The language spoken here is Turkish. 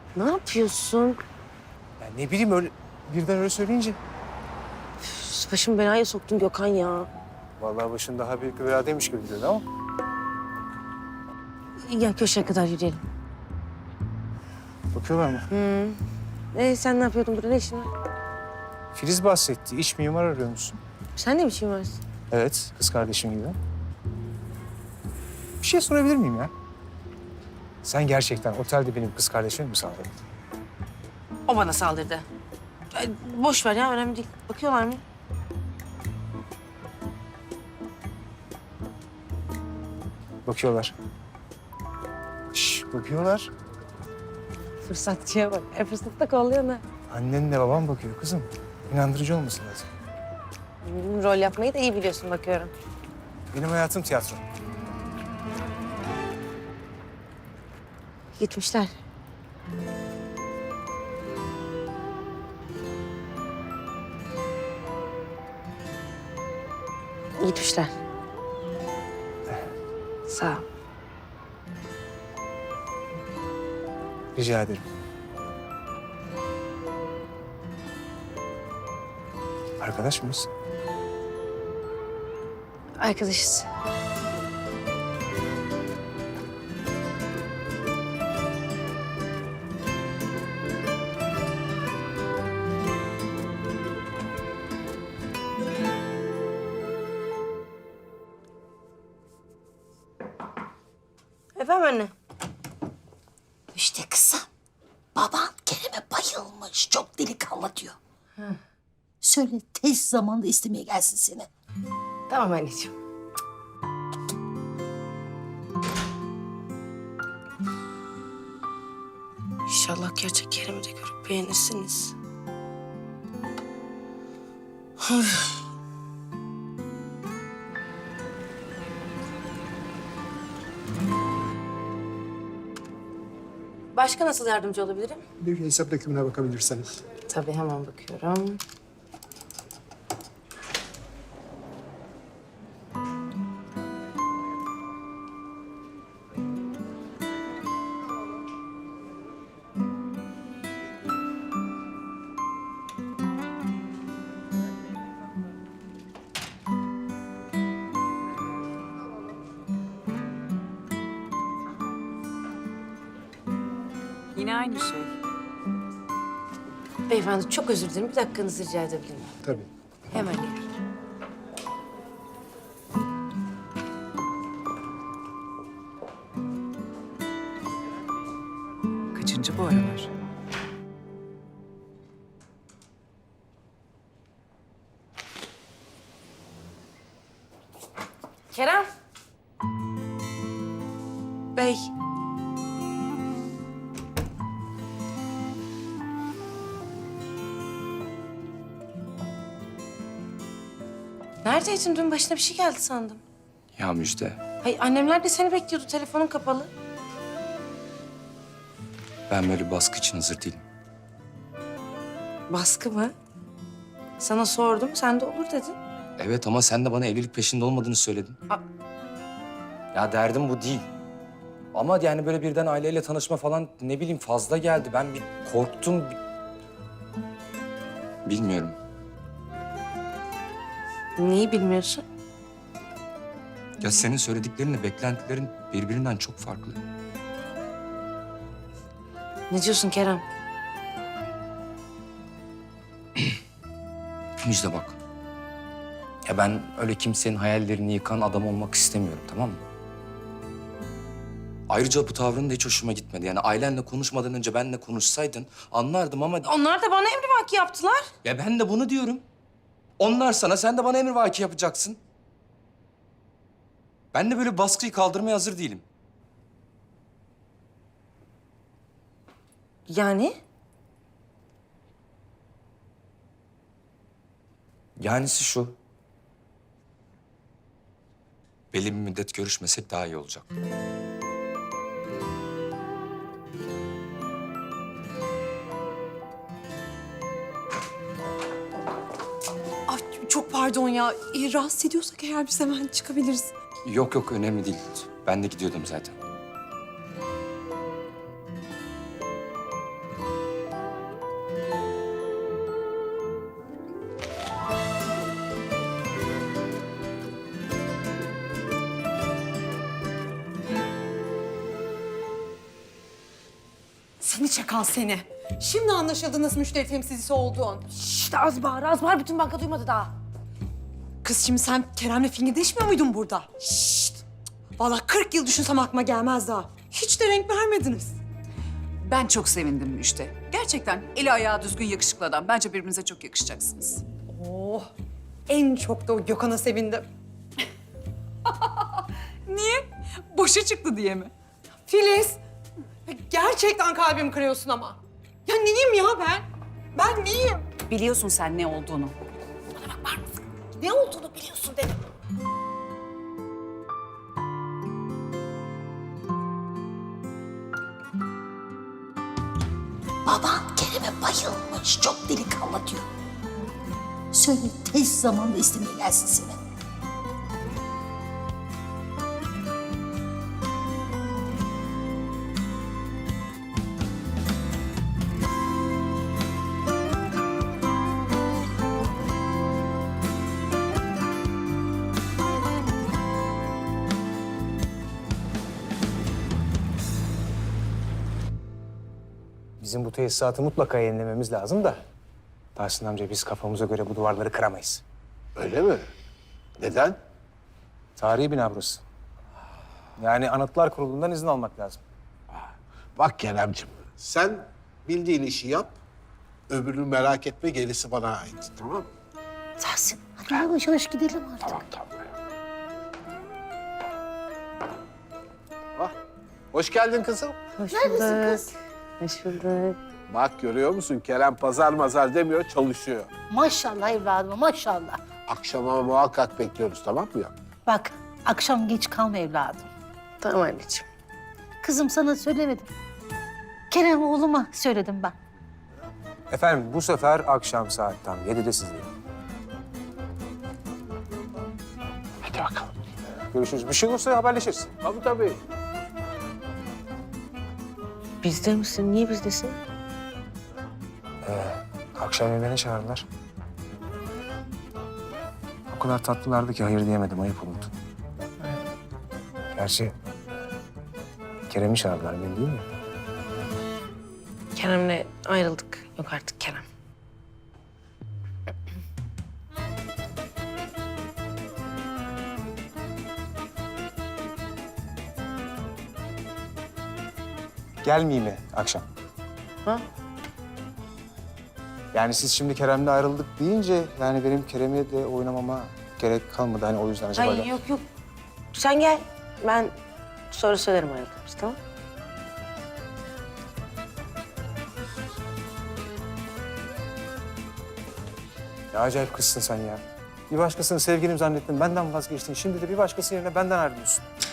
Ne yapıyorsun? Ya ne bileyim öyle birden öyle söyleyince. Üf, başımı belaya soktun Gökhan ya. Vallahi başın daha büyük bir beladaymış gibi dedi ama. Gel köşeye kadar yürüyelim. Bakıyorlar mı? Sen ne yapıyordun burada? Ne işin var? Filiz bahsetti. İç mimar arıyor musun? Sen ne biçim varsın? Evet, kız kardeşim gibi. Bir şey sorabilir miyim ya? Sen gerçekten otelde benim kız kardeşimi mi sağladın? O bana saldırdı. Boş ver ya, önemli değil. Bakıyorlar mı? Bakıyorlar. Şş, bakıyorlar. Fırsatçıya bak. Fırsat da kolluyor ne? Annenle babam bakıyor kızım. İnandırıcı olması lazım. Rol yapmayı da iyi biliyorsun bakıyorum. Benim hayatım tiyatro. Gitmişler. Gitmişler. Sağ ol. Rica ederim. Arkadaş mıyız? Arkadaşız. Efendim anne? İşte kızım, baban Kerem'e bayılmış. Çok delikanlı diyor. Söyle tez zamanda istemeye gelsin seni. Tamam anneciğim. İnşallah gerçek Kerem'i de görüp beğenirsiniz. Başka nasıl yardımcı olabilirim? Bir hesap dökümüne bakabilirseniz. Tabii hemen bakıyorum. Yine aynı şey. Beyefendi çok özür dilerim. Bir dakikanızı rica edebilir miyim? Tabii. Hemen geliyorum. Kaçıncı bu aralar? Kerem. Bey. Neredeydin? Dün başına bir şey geldi sandım. Ya Müjde, Hay annemler de seni bekliyordu. Telefonun kapalı. ben böyle baskı için hazır değilim. Baskı mı? Sana sordum. Sen de olur dedin. Evet ama sen de bana evlilik peşinde olmadığını söyledin. A- Ya derdim bu değil. Ama yani böyle birden aileyle tanışma falan ne bileyim fazla geldi. Ben bir korktum. Bilmiyorum. Neyi bilmiyorsun? Ya senin söylediklerinle beklentilerin birbirinden çok farklı. Ne diyorsun Kerem? Müjde bak. Ya ben öyle kimsenin hayallerini yıkan adam olmak istemiyorum, tamam mı? Ayrıca bu tavrın da hiç hoşuma gitmedi. Yani ailenle konuşmadan önce benle konuşsaydın anlardım ama... Onlar da bana emrivaki yaptılar. Ya ben de bunu diyorum. Onlar sana, sen de bana emrivaki yapacaksın. Ben de böyle baskıyı kaldırmaya hazır değilim. Yani? Yanisi şu. Belli bir müddet görüşmesek daha iyi olacak. Ay çok pardon ya. Rahatsız ediyorsak eğer biz hemen çıkabiliriz. Yok yok, önemli değil. Ben de gidiyordum zaten. Seni çakal seni. Şimdi anlaşıldı nasıl müşteri temsilcisi olduğun. İşte az bağır, az bağır. Bütün banka duymadı daha. Kız şimdi sen Kerem'le fingirdeşmiyor muydun burada? Şşt! Vallahi 40 yıl düşünsem aklıma gelmez daha. Hiç de renk vermediniz. Ben çok sevindim Müjde. Gerçekten eli ayağı düzgün yakışıklı adam. Bence birbirinize çok yakışacaksınız. Oh, en çok da o Gökhan'a sevindim. Niye? Boşa çıktı diye mi? Filiz, gerçekten kalbimi kırıyorsun ama. Ya neyim ya ben? Ben neyim? Biliyorsun sen ne olduğunu. Ne olduğunu biliyorsun dedim. Baban Kerem'e bayılmış. Çok delikanlı diyor. Söyle tez zamanda istemeye gelsin seni. Bizim bu tesisatı mutlaka yenilememiz lazım da. Tahsin amca biz kafamıza göre bu duvarları kıramayız. Öyle mi? Neden? Tarihi bina burası. Yani Anıtlar Kurulu'ndan izin almak lazım. Bak Keremciğim, sen bildiğin işi yap, öbürünü merak etme, gerisi bana ait, tamam mı? Tahsin hadi yavaş yavaş gidelim artık. Tamam. Ah, hoş geldin kızım. Hoş Neredesin kız? Hoş bulduk. Bak görüyor musun, Kerem pazar mazar demiyor, çalışıyor. Maşallah evladım maşallah. Akşama muhakkak bekliyoruz, tamam mı ya? Bak akşam geç kalma evladım. Tamam anneciğim. Kızım sana söylemedim. Kerem oğluma söyledim ben. Efendim bu sefer akşam saat tam 7'de sizdeyim. Hadi bakalım. Görüşürüz. Bir şey olursa haberleşiriz. Tabii. Bizde misin? Niye bizdesin? Akşam yemeğine çağırdılar. O kadar tatlılardı ki hayır diyemedim, ayıp oldu. Gerçi Kerem'i çağırdılar, beni değil mi? Kerem'le ayrıldık. Yok artık Kerem. Gelmeyeyim mi akşam? Ha? Yani siz şimdi Kerem'le ayrıldık deyince yani benim Kerem'e de oynamama gerek kalmadı. Hani o yüzden acaba... Hayır yok. Sen gel. Ben sonra söylerim ayrıldığımızı, tamam? Ya acayip kızsın sen ya. Bir başkasını sevgilim zannettin, benden vazgeçtin. Şimdi de bir başkası yerine benden ayrılıyorsun.